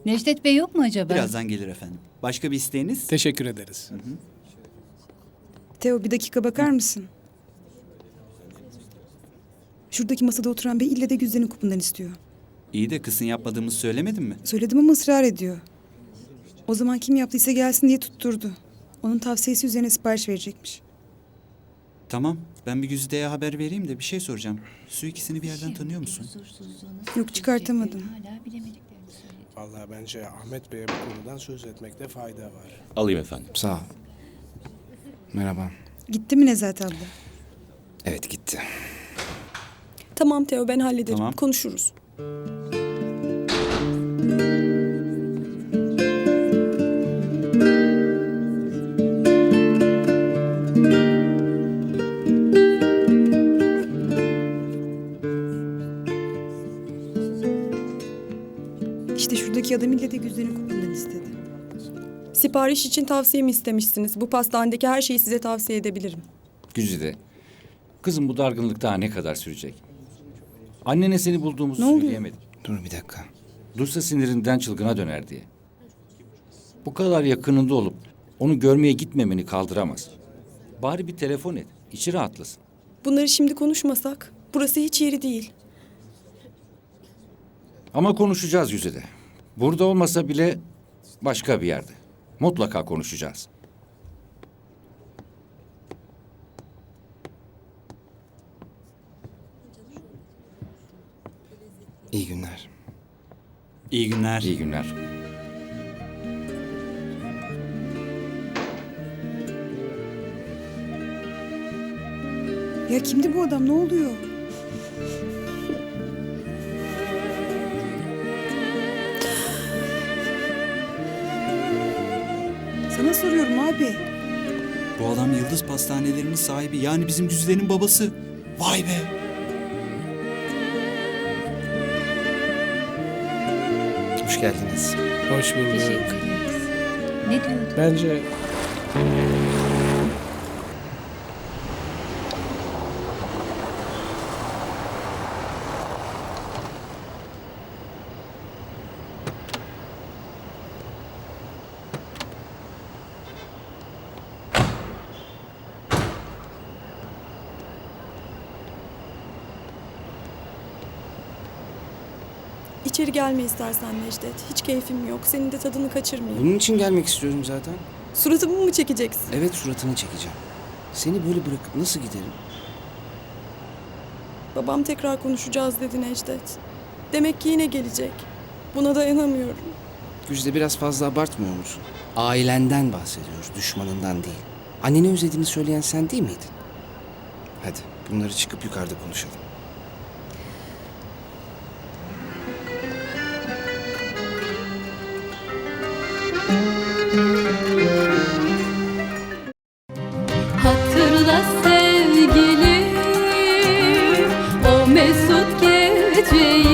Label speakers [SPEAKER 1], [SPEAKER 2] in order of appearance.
[SPEAKER 1] Necdet Bey yok mu acaba?
[SPEAKER 2] Birazdan gelir efendim. Başka bir isteğiniz?
[SPEAKER 3] Teşekkür ederiz.
[SPEAKER 4] Teo bir dakika bakar mısın? Şuradaki masada oturan bey ille de Güzde'nin kupundan istiyor.
[SPEAKER 2] İyi de kızın yapmadığımızı söylemedin mi?
[SPEAKER 4] Söyledim ama ısrar ediyor. O zaman kim yaptıysa gelsin diye tutturdu. Onun tavsiyesi üzerine sipariş verecekmiş.
[SPEAKER 2] Tamam. Ben bir Güzide'ye haber vereyim de bir şey soracağım. Su ikisini bir yerden tanıyor musun?
[SPEAKER 4] Yok, çıkartamadım.
[SPEAKER 1] Hala bilemediklerini söyledi.
[SPEAKER 3] Vallahi bence Ahmet Bey'e bu konudan söz etmekte fayda var.
[SPEAKER 5] Alayım efendim.
[SPEAKER 6] Sağ ol. Merhaba.
[SPEAKER 4] Gitti mi Nezahat abla?
[SPEAKER 6] Evet gitti.
[SPEAKER 7] Tamam Teo, ben hallederim.
[SPEAKER 2] Tamam.
[SPEAKER 7] Konuşuruz.
[SPEAKER 4] İşte şuradaki adam ille de Güzde'nin kupundan istedi.
[SPEAKER 7] Sipariş için tavsiyemi istemişsiniz. Bu pastanedeki her şeyi size tavsiye edebilirim.
[SPEAKER 5] Güzide. Kızım bu dargınlık daha ne kadar sürecek? Annene seni bulduğumuzu
[SPEAKER 4] Ne oluyor?
[SPEAKER 5] söyleyemedim.
[SPEAKER 6] Dur bir dakika.
[SPEAKER 5] Duysa sinirinden çılgına döner diye. Bu kadar yakınında olup onu görmeye gitmemeni kaldıramaz. Bari bir telefon et. İçi rahatlasın.
[SPEAKER 7] Bunları şimdi konuşmasak, burası hiç yeri değil.
[SPEAKER 5] Ama konuşacağız Güzide. Burada olmasa bile başka bir yerde. Mutlaka konuşacağız.
[SPEAKER 6] İyi günler.
[SPEAKER 2] İyi günler.
[SPEAKER 5] İyi günler.
[SPEAKER 4] Ya kimdi bu adam? Ne oluyor? Sana soruyorum abi.
[SPEAKER 2] Bu adam Yıldız Pastanelerinin sahibi. Yani bizim Güzide'nin babası. Vay be.
[SPEAKER 6] Hoş geldiniz.
[SPEAKER 3] Hoş bulduk.
[SPEAKER 1] Teşekkür ederiz. Ne diyordu?
[SPEAKER 3] Bence
[SPEAKER 7] İçeri gelme istersen Necdet. Hiç keyfim yok. Senin de tadını kaçırmayayım.
[SPEAKER 6] Bunun için gelmek istiyorum zaten.
[SPEAKER 7] Suratımı mı çekeceksin?
[SPEAKER 6] Evet suratını çekeceğim. Seni böyle bırakıp nasıl giderim?
[SPEAKER 7] Babam tekrar konuşacağız dedi Necdet. Demek ki yine gelecek. Buna dayanamıyorum.
[SPEAKER 6] Güzde biraz fazla abartmıyor musun? Ailenden bahsediyoruz, düşmanından değil. Anneni özlediğini söyleyen sen değil miydin? Hadi bunları çıkıp yukarıda konuşalım.
[SPEAKER 8] Hatırla sevgilim o mesut geceyi.